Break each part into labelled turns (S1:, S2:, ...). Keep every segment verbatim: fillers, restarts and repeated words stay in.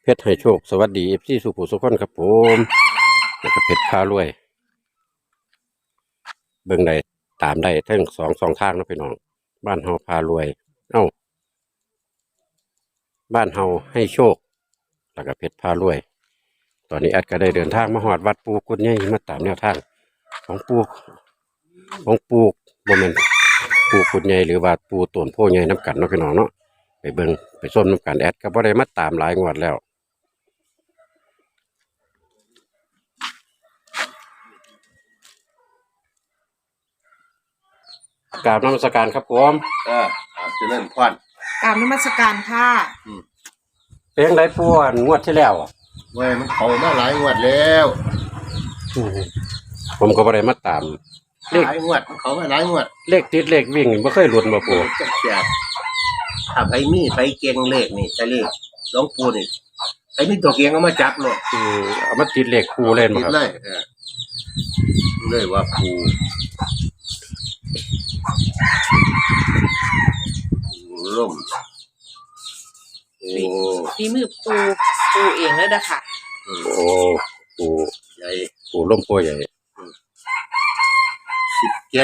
S1: เพชรให้โชคสวัสดีเอฟซีสุขุสุขคนครับผมแล้วก็เพชรพารวยเบิ่งได้ตามได้ทั้งสองสองทางนะพี่น้องบ้านเฮาพารวยเอ้าบ้านเฮาให้โชคแล้วก็เพชรพารวย ตอนนี้แอดก็ได้เดินทางมาหอดวัดปูกุดใหญ่มาตามแนวทางของปูของปูบ่แม่นปูกุดใหญ่หรือว่าปูต้นโพใหญ่น้ำกันเนาะพี่น้องเนาะไปเบิ่งไปส้มน้ำกันแอดก็บ่ได้มาตามหลายงวดแล้วกราบนมัสการครับผม
S2: เออเอาเจะเริ่มพร
S3: กราบนมัสการค่ะ
S1: เพลงไรปูอันงวดที่แล้วอ่ะ
S2: เว้ยมันเขามาหลายงวดแล้ว
S1: อืมผมก็บ่ได้มาตาม เลข
S2: หลายงวดมันเขามาหลายงวด
S1: เลขติดเลขวิ่งบ่เคยหลุดบ่ปู
S2: จักแจกถ้าไปมีไปเก่งเลขนี่ใช่เลขหลวงปู่นี่ไอ้มีตัวเก่งเอามาจับเลย
S1: อืมเอามาติดเลขปูเล่นบ่
S2: ติด
S1: ครับ
S2: เลยเออเลยว่าปู่ปู่ล่มโอ้
S3: ฝีมือปูปูเองเลยนะค่ะ
S2: อืม
S1: โอ้ปู
S2: ใหญ่
S1: ปูล่มโพใหญ่
S2: สิบเจ็ด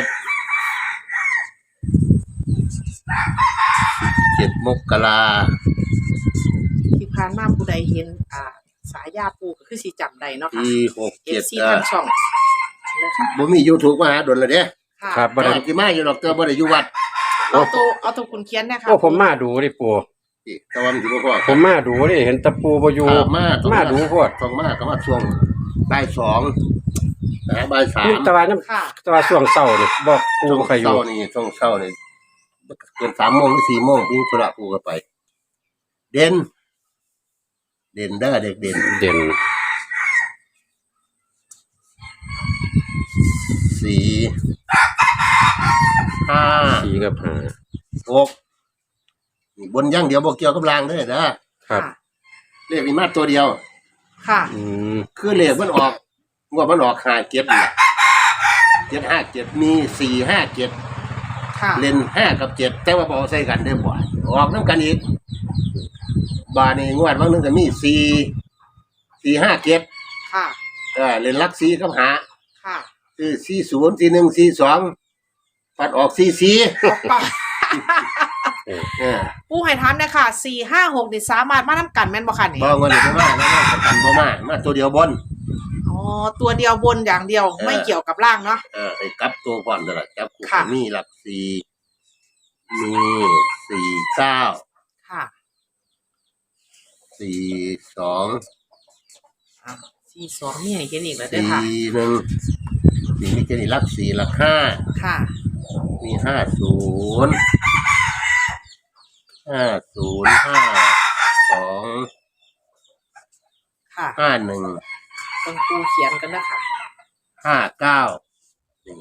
S2: เจ็ดมกรา
S3: ที่ผ่านมาผู้ใดเห็นอ่าสายยาปูก็คือสีจำได้เนาะค่ะ
S2: ปีหก
S3: เอ
S2: เจ็
S3: ฟ
S2: ด
S3: ซี
S2: เอ
S3: ทา
S2: อง
S3: ช่องนะคะ
S2: บ่มียูทูบมาหาดนเลยเด้
S3: ค่ะ
S1: ครับบ่
S2: บ่
S1: ได้
S2: ได้ที่มาอยู่ดอกเตอบ่ได้อยู่วัด
S3: เอาตัวเอาตัวคุณเคียนนะคะ
S1: โอ้ผมมาดูดิปู
S2: ที่แต่ว่ามันสิบ่พอ
S1: ผมมาดูดิเห็นตะปูบ่อยู่
S2: อ่ามาต้อง
S1: มาดูโพด
S2: ต้องมาก็มาช่วงบ่ายสองนะบ่ายสาม
S1: นี่แตะวันน้
S3: ค่ะ
S1: ำแตะวันช่วงเช้านี่บอกปู
S2: ช่วง
S1: บ่ใครอยู่
S2: เช้านี่ช่วงเช้านี่เกินสามโมงหรือสี่โมงพี่ธุระกูก็ไป เด่นเด่นเด้อเด็กเด่น
S1: เด่น
S2: สี่ห้า
S1: สีกับหา
S2: หกนี่บนอย่างเดียวบ่เกี่ยวกับรางเด้อนะครับ
S3: ค่ะ
S2: เลขมีมาตัวเดียว
S3: ค่ะ
S1: อืม
S2: คือเลขมันออกงวดมันออกห้าเจ็ดนี่เจ็ดห้าเจ็ดมีสี่ห้าเจ็ด
S3: ค่ะ
S2: เล่นห้ากับเจ็ดแต่ว่าบอใส่กันได้บ่อยออกน้ำกันอีกบาในงวดวันหนึงก็มีสี่สี่ห้าเจ็ด
S3: ค่ะ
S2: เออเล่นลักสี่กับหา
S3: ค่ะ
S2: คือสี่ศูนย์สี่หนึ่งสี่สองปัดออกสี่สี่
S3: ออกไป
S2: เออ
S3: ปูให้ถามเนยคะสี่ห้าหกนี่สามารถมาทำกันแม่นบ่ค่ะนี่
S2: บ่เงินบ่มาแล้วประกันบ่มามาตัวเดียวบน
S3: อ๋อตัวเดียวบนอย่างเดียว
S2: เออ
S3: ไม่เกี่ยวกับล่างเนาะ
S2: เออให้กลับตัวก่อนตลอดจับคู่
S3: ค่ะ
S2: มีหลักสี่มีสี่เก้า
S3: ค่ะ
S2: สี่สอง
S3: อ่าสี่สองนี่ให้เห็นอีกแล้วเด้อค่ะ
S2: สี่หนึ่งสี่มีแค่นี้หลักสี่หลักห้า
S3: ค่ะ
S2: มีห้าศูนย์ห้าศูนย์ห้าสอง
S3: ค่ะ
S2: ห้าหนึ่ง
S3: ต้องปูเขียนกันนะคะ
S2: ห้าเก้านี่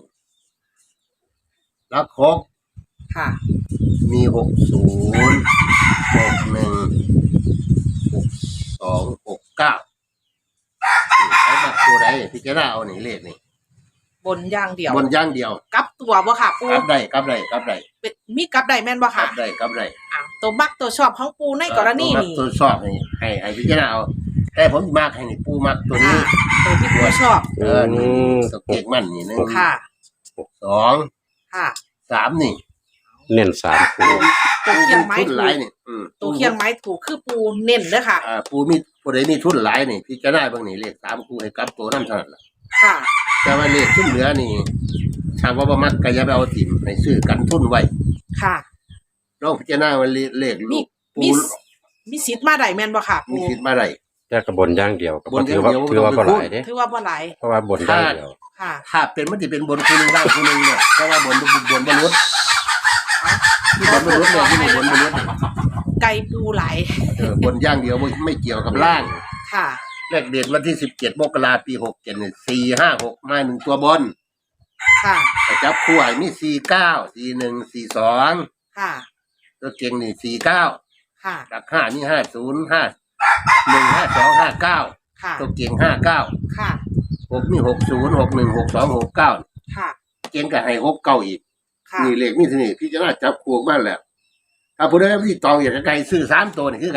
S2: แล้วครบ
S3: ค่ะ
S2: มีหกศูนย์หกหนึ่งหกสองหกเก้าไอ้บักตัวใดพี่จะได้เอาหนีเลขนี่
S3: บนอย่างเดียว
S2: บนย่างเดียว
S3: กลับตัวบ่ค่ะ ปู
S2: กลับได้กลับได้กลับได้
S3: เป็นมีกลับได้แม่นบ่
S2: กลั
S3: ค่ะ
S2: บได้กลับได้
S3: อ่ะตัวมักตัวชอบของปูในกรณี
S2: ตัวมั
S3: นี้
S2: ตัวชอบนี่ให้ให้พี่จะได้เอาแต่ผมมากให้นี่ปูมักตัวนี้
S3: อ่ะตัวที่ปูชอบ
S2: เออนี่ตัวเก่งมันนี่หนึ่ง
S3: ค่ะ
S2: สอง
S3: ค่ะ
S2: สามนี่
S1: เน้นสามปู
S3: ตัวเคียงไม้
S2: ทุน
S3: ถู
S2: หลาย
S3: ก
S2: นี่อืม
S3: ตัวเคียงไม้ถูกคือปูเน้นเด้อค่ะ
S2: อ่าปูมีปูใดมีทุนหลายนี่พี่จะได้บางนี่เลขสามคูให้กลับตัวนั่นเท่านั้นล่ะ
S3: ค่ะ
S2: แต่ว่าเลขทุนเหลือนี่ทางว่าบ่มักก็อย่าไปเอาถิ่มให้ซื้อกันทุนไว้
S3: ค่ะ
S2: ลองพิจารณาว่าเลขลู
S3: มี
S2: ก
S3: มี
S2: ปู
S3: มีสิทธิ์มาได้แม่นบ่ค่ะ
S2: มี
S3: ปู
S2: คิดมาได้
S1: แต่กระบนอย่างเดียวก็
S2: บน
S1: ถือว่า
S2: อย่างเดียว
S1: ถือว่า
S2: บ่
S1: บ่
S2: ต้อง
S1: ห
S2: ไป
S1: ลายเด้
S3: ถือว่าบ่หลาย
S1: เพราะว่าบนอย่างเดียว
S3: ค่ะ
S2: ถ้าเป็นมันสิเป็นบนคูนึงล่างคูนึงเนี่ยเพราะว่าบนบนบนมนุษย์ที่บนมนุษย์เนี่ยที่บนมนุษย์
S3: ไก่ปูหลาย
S2: เออบนอย่างเดียวไม่ไม่เกี่ยวกับล่าง
S3: ค่ะ
S2: เลขเด็ดวันที่สิบเจ็ดมกราปีหกเจ็ดเนี่ยสี่ห้าหกมาหนึ่งตัวบน
S3: ค่ะ
S2: แต่จับคู่ไอ้มีสี่เก้าสี่หนึ่งสี่สอง
S3: ค่ะ
S2: ตัวเก่งนี่สี่เก้า
S3: ค่ะ
S2: หลักห้านี่ห้าศูนย์ห้าหนึ่งห้าสองห้าเก้า
S3: ค่ะ
S2: ตัวเก่งห้าเก้า
S3: ค่ะ
S2: หกนี่หกศูนย์หกหนึ่งหกสองหกเก้า
S3: ค่ะ
S2: เก่งก็ให้หกเก้าอีก
S3: ค่ะ
S2: นี่เลขมีที่นี่พี่จะน่าจับคู่บ้านแล้วถ้าผู้ใดที่ตองอยากจะไกลซื้อสามตัวนี่คือกันนี่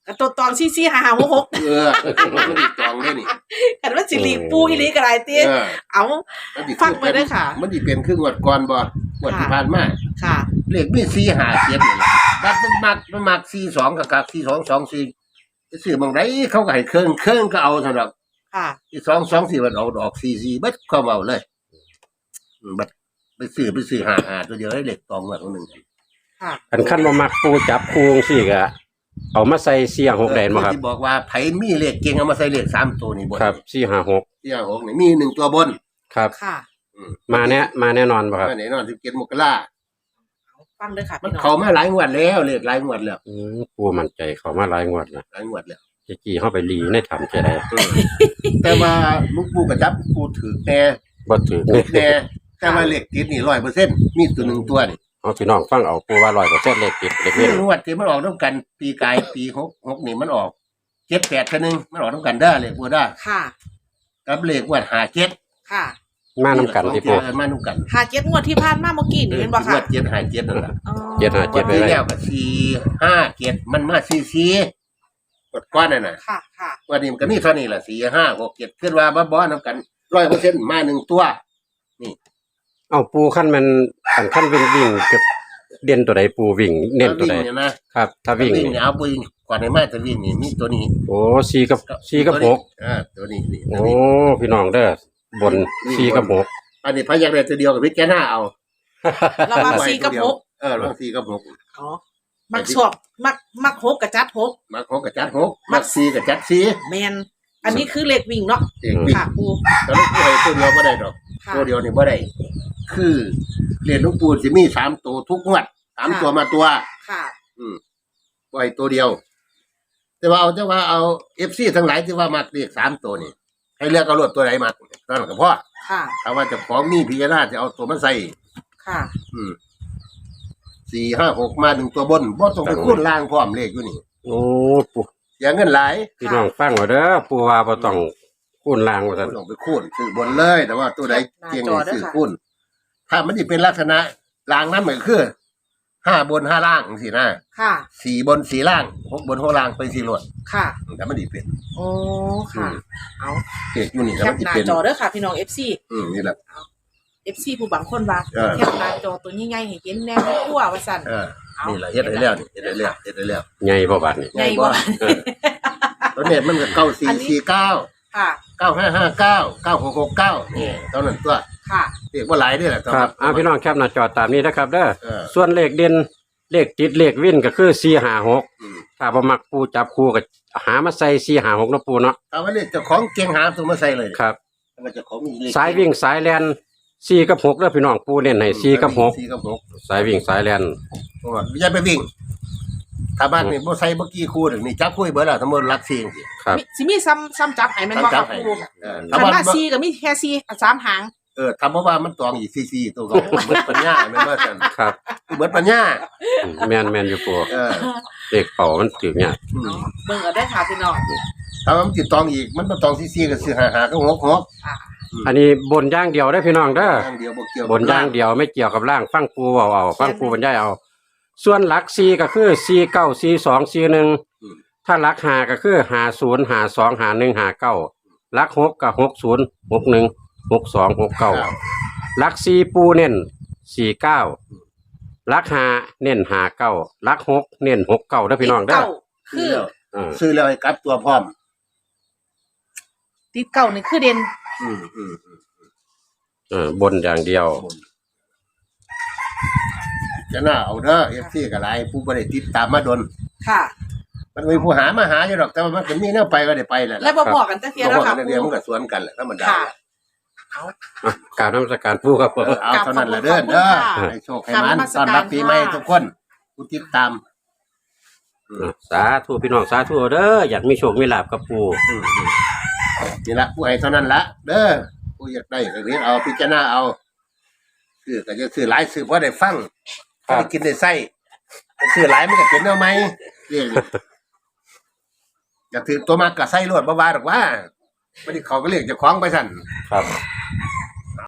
S3: กับตัวตองซี่ซี่หาหาหกหก
S2: เออมันอีกตองได้นี่
S3: กันว่าสิริปูอีหลีกระไรตี
S2: เออ
S3: เอา
S2: มันสิ
S3: ฟังไปเด้อค่ะ
S2: มันสิเป็นครึ่งงวดก่อนบ่งวดที่ผ่านมา
S3: ค่ะ
S2: เลขมีสี่ห้าเจ็ดนี่แหละบัดมันมักมันมักสี่สองกับกับสี่สองสองสี่จะซื้อบางไรเขาก็ให้เครื่องเครื่องก็เอาสำหรับ
S3: ค่ะ
S2: ที่สองสองสี่มันเอาดอกสี่สี่บัดเข้าเอาเลยอืมบัดไปซื้อไปซื้อห้าห้าตัวเดียวได้เลขตองงวดตัวหนึ่ง
S3: ค่ะ
S1: คันขั้นบ่มักปูจับคูจังซี่ก็เอามาใส่เสียงหกแดนบ่ครับ
S2: ที่บอกว่าไผมีเลขเก่งเอามาใส่เลขสามตัวนี่บน
S1: ครับสี่ห้าหก
S2: ที่หกนี่มีหนึ่งตัวบน
S1: ครับ
S3: ค่ะ
S2: อืม
S1: มาแน่มาแน่นอนบ่ครับ
S2: มาไหนนอนสิบเจ็ดมกรา
S3: ฟังเลยค่ะ
S2: มัน
S3: พี่น้อง
S2: เขามาหลายงวดแล้วเลขหลายงวดแล้ว
S1: อืมปูมั่นใจเขามาหลายงวดนะ
S2: หลายงวดแล้ว
S1: จะกี่เฮาไปลีในถ้ำจะได้
S2: เออแต่ว่าลูกปูกระจับปูถือแน่
S1: บ่ถือ
S2: แน่แต่ว่าเลขติดนี่ร้อยเปอร์เซ็นต์มีตัวหนึ่งตัวนี่
S1: เอาพี่น้องฟังเอาปูว่าร้อยเปอร์เซ็นต์เลขติดเลข
S2: คื
S1: เว้
S2: อน งวดที่มันออกต้องกัน ปีกายปีหกหกนี่มันออกเจ็ดแปดคนหนึ่งมันออกต้องกันได้เลขปูได้
S3: ค่ะ
S2: กับเลขงวดหาเจ็ด
S3: ค่ะ
S1: มานํกันที่ปู
S2: มานุ่กัน
S3: หาเจ็ดงวดที่ผ่านมาเมื่อกี้นี่เป็นบ่
S2: ง
S3: ค่ะ
S2: วดเจ็ดหาเจ็ดนั่นแหละ
S3: อ๋อ
S1: เจ็ดหาเจ็ด
S2: ที่แล้วก็สี่ห้าเจ็ดมันมาสี่สี่กดก้อนน่ะนะ
S3: ค่ะ ค่ะ
S2: วันนี้มันก็มีเท่านี้แหละสี่ห้าหกเจ็ดขึ้นว่าบ้าบอน้ำกันร้อยเปอร์เซ็นต์มาหนึ่งตัว
S1: เอาปูขั้นมันอันขั้นวิ่งวิ่งกับเด่นตัวใดปูวิ่งเน้นตัวใด
S2: วิ่งเนี่ยนะครับ
S1: ถ้าวิ่ง
S2: วิ่ง
S1: นี่
S2: เนี่ยเอาวิ่งก่อนในมาจะวิ่งนี่มีตัวนี้
S1: โอ้สี่กับสี่กับหก
S2: อ่าตัวนี้นี่ตัว
S1: โอ้
S2: นี้
S1: พี่น้องเด้อบนสี่กับหก
S2: อันนี้พยักได้ตัวเดียวกับพิจารณาเอา
S3: เรามาสี่กับหก
S2: เออลองสี่กับหก
S3: อ๋อ มักสวบมัก มักหกกับจัดหก
S2: มักหกกับจัดหกมักสี่กับจัดสี่
S3: แมน อันนี้คือเลขวิ่งเนาะ
S2: เด็กวิ่ง
S3: ค่ะปู
S2: แต่ลูกปูให้ตัวเดียวไม่ได้ดอก
S3: ค่ะ
S2: ตัวเดียวนี่ไม่ได้คือเรียนลูกปูจะมีสามตัวทุกงวดสามตัวมาตัว
S3: ค่ะ
S2: อืมปล่อยตัวเดียว แต่ว่าเอาแต่ว่าเอาเอฟซีทั้งหลายที่ว่ามักเรียกสามตัวนี่ให้เลือกเอารถตัวไหนมาตอนกับพ่อ
S3: ค่ะ
S2: ถ้าว่าเจะของมีพิจารณาจะเอาตัวมาใส่
S3: ค่ะ
S2: อืมสี่ห้าหกมาหนึ่งตัวบนบ่ต้องไปคูณล่างพร้อมเลขอยู่นี่
S1: โอ้ปู
S2: อย่างเงินหลาย
S1: พี่น้องฟังเอาเด้อปูว่าบ่ต้องคูณลางว่าซั่น
S2: บ่ต้องไปคูณซื้อบนเลย แต่ว่าตัวไหนเก่งนี่ซื้อคูณถ้ามันจะเป็นลักษณะล่างนั้นเหมือนคือห้าบนห้าล่างสินะ
S3: ค่ะ
S2: สี่บนสี่ล่างหกบนหกล่างไปสี่รวด
S3: ค่ะ
S2: แต่มันดีเป็น
S3: โอ้ ค่ะ เอา
S2: เอกอยู่นี่
S3: แค
S2: แล้วมั
S3: ป
S2: นดี
S3: หน้า
S2: เป็น
S3: จอเด้อค่ะ พี่น้อง เอฟ ซี
S2: อืมนี่แหละ
S3: เอฟ ซี ผู้บางคนว่า
S2: เออ
S3: แคปหน้าจอตัวใหญ่ๆให้เห็นแน่ไม่ทั่วว่าซั่น
S2: เออนี่แหละเฮ็ดได้แล้วนี่เฮ็ดได้แล้วเฮ็ดได้แล้ว
S1: ใหญ่บ่บาดนี่
S3: ใหญ่บ่
S2: เออตัวเน็ตมันก็เก้าสี่สี่เก้า
S3: ค่ะ
S2: เก้าห้าห้าเก้าเก้าหกหกเก้านี่เท่านั้นตัว
S3: ค่ะ
S2: เรียกว่าหลายเด้อแหละ
S1: ครับอ่าพี่น้องแคปหน้าจอตามนี้นะครับเด้อ
S2: เออ
S1: ส่วนเลขเด่นเลขติดเลขวินก็คือสี่ห้าหก
S2: อืม
S1: ถ้าบ่มักปูจับคู่ก็หามาใส่สี่ห้าหกเนาะปูเนาะ
S2: เอาไว้เรียกเจ้าของเก่งหาตัวมาใส่เลย
S1: ครับ
S2: เอามาเจ้าของมีเลข
S1: สายวิ่งสายแลนสี่กับหกเด้อพี่น้องปูเน้นให้สี่กับหก
S2: สี่กับหก
S1: สายวิ่งสายแลน
S2: เพราะว่าอย่าไปวิ่งถ้าบ้านนี่บ่ใส่บ่กี่คู่ถึงนี่จับคู่ให้เบิดแล้วทั้งหมดหลักสี่จังซี่
S1: ครับ
S3: มีสิมีซ้ำซ้ำจับให้แม่นบ่
S2: จั
S3: ค่ะ
S2: บให้
S3: ปู
S2: เออ
S3: คั
S2: ถ้าน บ้าน
S3: ว่า
S2: บ่
S3: ซีก็มีแค่ซีสามหาง
S2: เออทำเพราะว่ามันตองอีกสี่ๆตัวก็เหมือนปัญญาแม่นบ่ซั่น
S1: ครับ
S2: เหมือนปัญญา
S1: อืมแม่นแม่นอยู่ปู
S2: เออ
S1: เลขเป่ามันถึงเนี่ย
S2: อืม
S3: เบิ่งเอาได้อค่ะพี่น้อง
S2: ถ้ามันติดตองอีกมันบ่ตองสี่ๆก็สิหาหาก็หกหก
S3: ค่ะ
S1: อันนี้บนอย่างเดียวได้อพี่น้องเด้อ
S2: อย่างเดียวบ่เกี่ยว
S1: บนอย่างเดียวไม่เกี่ยวกับร่างฟังปูเอาเอาฟังปูบรรยายเอา ส่วนหลักสี่ก็คือสี่เก้าสี่สองสี่หนึ่งถ้าหลักห้าก็คือห้าศูนย์ห้าสองห้าหนึ่งห้าเก้าหลักหกก็หกศูนย์หกหนึ่งหกสองหกเก้าหลักสี่ปูเน้นสี่เก้าหลักห้าเน้นห้าเก้าหลักหกเน้นหกเก้าเด้อพี่น้องเด้อ
S3: เก้าคือ
S1: อืม
S2: ซื้อแล้วให้กลับตัวพร้อม
S3: ติดเก้านี่คือเด่น
S2: อืมอืมอืม
S1: เออบนอย่างเดียว
S2: จะน่าเอาเด้อ เอฟ ซี ก็หลายผู้บ่ได้ติดตามมาดน
S3: ค่ะ
S2: มันมีผู้หามาหาอยู่ดอกแต่ว่ามันก็มีแนวไปก็ได้ไปแหละ
S3: แล้วบ่บอกกันจักเที่ย
S2: บ่
S3: แล้ว
S2: ว่า
S3: ค่ะ
S2: กันเดียวมันก็สวนกันแหละธรรมดา
S3: ค่ะ
S1: อ่ะกรารนมัสการปูครับผม
S2: เออเอาเท่านั้นแหละเด้อเด้อให้โชคให้มันต้อนรับปีใหม่ทุกคนผู้ติดตาม
S1: อ่ะสาธุพี่น้องสาธุเด้ออยากมีโชคมีลาภกับปู
S2: อืมอืมนี่ละผู้ให้เท่านั้นละเด้อผู้อยากได้ก็เรียนเอาพิจารณาเอาซื้อก็จะซื้อหลายซื้อเพราะได้ฟังพอได้กินได้ใส่ซื้อหลายมันก็เป็นเอาไหมเรียกนี่อยากถือตัวมากก็ใส่รวดบ่ว่าดอกว่าบ่ได้เขาก็เรียกเจ้าของไปสั่น
S1: ครับ
S2: อ